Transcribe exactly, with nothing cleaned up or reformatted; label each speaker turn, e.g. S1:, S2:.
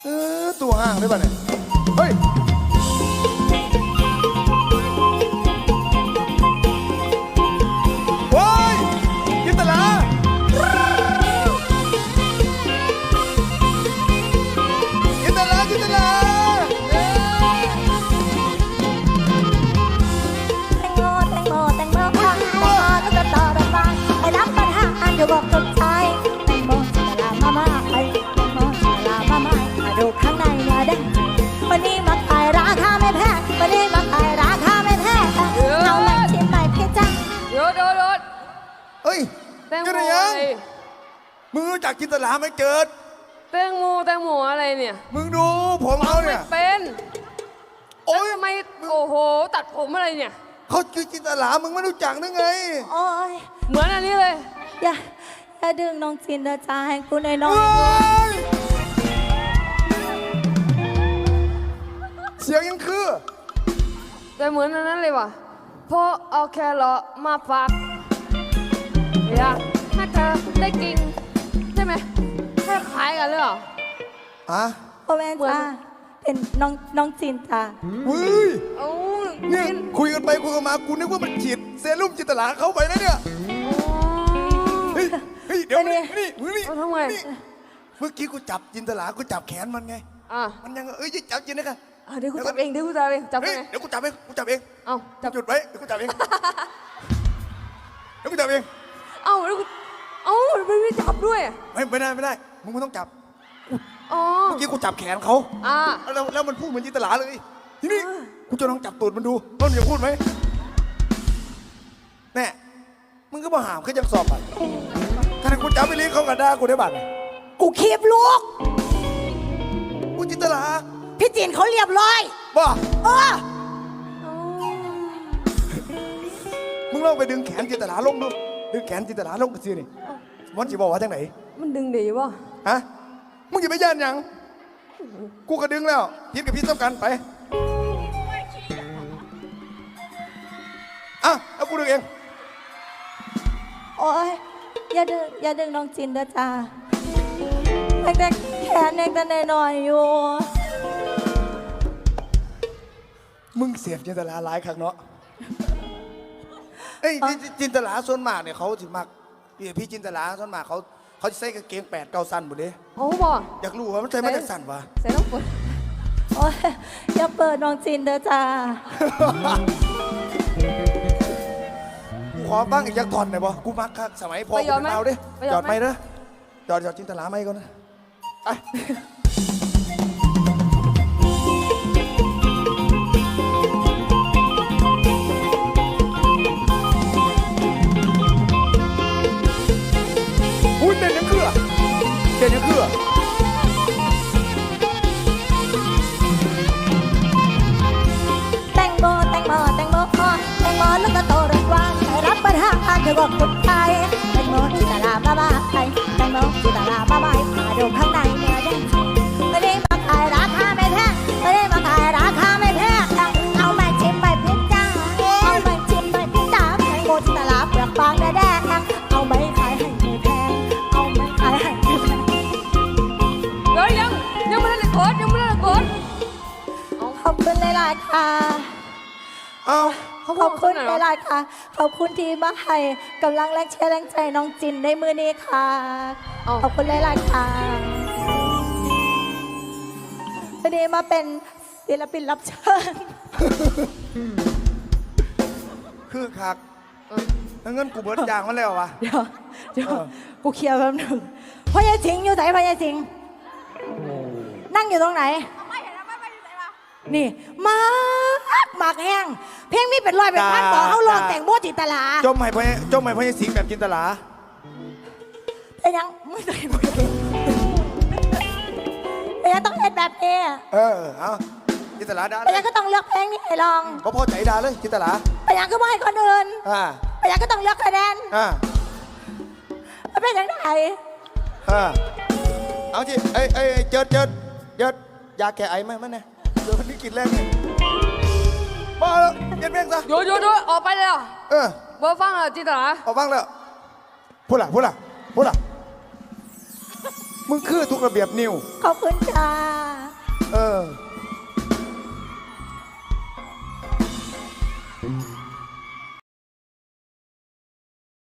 S1: เออตัวห่างได้ป่ะเนี่ยเฮ้ยโอ้ยจินตลาจินตลาจินตลา
S2: แตงโมแตงโมแตงโมแตงโมแล้วก็ต่อระบายไอ้รับปัญหาอยู่บอกตกใจแตงโมจินตลามามาไอ้แตงโมจินตลามามามาดูข้างในเนื้อแดงวันนี้มาขายราคาไม่แพงวันนี้มาขายราคาไม่แพงเอาแม่ชิ้นใหม่พี่จัง
S3: โยดโยดโยด
S1: เฮ้ย
S3: แตงโม
S1: กัน
S3: อะ
S1: ยัง
S3: ไร
S1: มึงรู้จักจินตลาไหมเจิด
S3: แตงโมแตงโมอะไรเนี่ย
S1: มึงดูผมเขา
S3: ไม่
S1: เนี่ย
S3: เป็น
S1: โอ้ย
S3: ทำไมโอ้โหตัดผมอะไรเนี่ย
S1: เขาคือจินตลามึงไม่รู้จักนึกไง
S2: โอ้ย
S3: เหมือนอันนี้เลย
S2: อย่าอย่าดึงน้องจินเดอจ้าให้กูหน่อยน้อง
S1: เฮ้ยเสียงยังคือ
S3: แต่เหมือนอันนั้นเลยว่ะพอเอาแครอทมาฝักอยากให้เธอได้กินใช่ไหมแค่คล้ายกันเลยเหรอ
S1: อะ
S2: พ่อแม่จ้าเป็นน้องน้องจินจ้า
S1: เฮ้ย
S3: เอ้า
S1: เนี่ยคุยกันไปคุยกันมากูนึกว่ามันฉีดเซรุ่มจินตลาเข้าไปนะเนี่ยเฮ้ยเฮ้ยเดี๋ยวนี่นี่มึงนี่
S3: เอาทำไง
S1: นี่เมื่อกี้กูจับจินตลากูจับแขนมันไง
S3: อ่ะ
S1: มันยังเอ้ยจับจินนะกัน
S3: อ่ะเดี๋ยวกูจับเองเดี๋ยวกูจับเองจับ
S1: เฮ้ย
S3: ไง
S1: เดี๋ยวกูจับเองกูจับเอง
S3: เอ้าจับ
S1: หยุดไว้เดี๋ยวกูจับเองเดี๋ยวกูจับเอง
S3: เอ้าแล้วกูเอ้าไม่ไม่จับด้วย
S1: ไม่ไม่ได้ไม่ได้มึงไม่ต้องจับ
S3: อ๋อ
S1: เมื่อกี้กูจับแขนเขา
S3: อ่า
S1: แล้วแล้วมันพูดเหมือนจินตลาเลยทีนี้กูจะลองจับตูดมันดูว่ามันจะพูดไหมแน่มึงก็มาหามเขาจะสอบบัตรถ้ากูจับไปเลี้ยงเขากระด้ากูได้บัตร
S2: กูคีบลูก
S1: กูจินตลา
S2: พี่จินเขาเรียบร้อย
S1: บ่
S2: เออ
S1: มึงลองไปดึงแขนจินตลาลงดูดึงแขนจินตลาลงกันสินี่มันจะบอกว่าจังไหน
S3: มันดึงดีป่ะ
S1: ฮะมึงอย่าไปย่านหยังกูก็ดึงแล้วพิษกับพิษต้องกันไปอ่ะเอากูดึงเอง
S2: โอ้ยอย่าดึงอย่าดึงน้องจินเด้อจ้าเด็กๆแขนเด็กแต่หน่อยๆอยู่
S1: มึงเสียบจินตลาหลายครั้งเนาะเอ้ยจิจินตลาส่วนมากเนี่ยเขาถึงมากพี่พี่จินตลาส่วนมากเขาเขาจะใส่กางเกงแปดเก้าสั้นหมดเลย
S3: โอ้บ่
S1: อยากรู้ว่ามันใส่มาจากสั้นวะ
S3: ใส่น้ำฝน
S2: โอ้ยอย่าเปิดน้องจินเด้อจ้า
S1: กูขอบ้างอีกยักถอนหน่อยบ่กูมักคักสมัยพ่อกูเป็นดาวดิจอดไหมเด้อจอดจอดจินตลาไหมก่อนนะไปอุ้ยเต้นยังคือเต้นยังคือ
S2: แตงโมแตงโมแตงโมแตงโมแล้วก็โตเรื่องว่าให้รับปัญหาเกี่ยวกับทุกใจแตงโมจิตลาบ้าบ้าไอแตงโมจิตลาบ้าบ้ามาดูข้างในเนื้อแดงไม่ได้มาขายราคาไม่แพงไม่ได้มาขายราคาไม่แพงเอาแม่ชิมไปพิจ้าเอาแม่ชิมไปพิจ้าแตงโมจิตลาเปลือกบางแดงเอาไม่ขายให้ไม่แพงเอาไม่ขายให้ไม่แพง
S3: เฮ้ยยังยังไม่ได้กดยังไม่ได้กด
S2: ขอบคุณหลายๆค่ะ
S1: เอา
S2: ขอบคุณหลายๆค่ะ ขอบคุณที่มาให้กำลังแรงเชียร์แรงใจน้องจินในมือนี้ค่ะ ขอบคุณหลายๆค่ะวันนี้มาเป็นศิลปินรับเชิญ
S1: คือคักแล้วเงินกูเบิดยางมันแล้ววะ
S2: เดี๋ยวเดี๋ยวกูเคลียร์แป๊บหนึงพ่อยายสิงห์อยู่ไหนพ่อยายสิงห์นั่งอยู่ตรงไหน นี่มากมากแห้งเพลงนี้เป็นร้อยเป็นพันบอกเขาลองแต่งโมจิตลา
S1: จมให้พ่อจมให้พ่อสิงแบบจินตลา
S2: แต่ยังไม่ได้แต่ยังต้องเล่นแบบนี้
S1: เออเอาจินตลาด่าเล
S2: แต่
S1: ย
S2: ยังก็ต้องเลือกเพลงนี้ให้ลอง
S1: ก็พอใจด่าเลยจินตลา
S2: แต่ยังก็ไม่ให้คนอื่น
S1: อ่า
S2: แต่ยังก็ต้องเลือกคะแนน
S1: อ่า
S2: มันเป็นยังไง
S1: อ่าเอาจิเอ้ยเอ้ยเจิดเจิดเจิดยาแก้ไอไหมมันเนี่ยเดี๋ยวคนนี้กินแรงเนี่ยบ้าแล้วเย็นเพียงซะ
S3: โยโยโยออกไปเลยอ่ะ
S1: เออ
S3: เบอร์ฟังอ่ะจิตตลา
S1: เอาบ้างแล้วพูดล่ะพูดล่ะพูดล่ะมึงคือทุกระเบียบนิว
S2: ขอบคุณค่ะ
S1: เ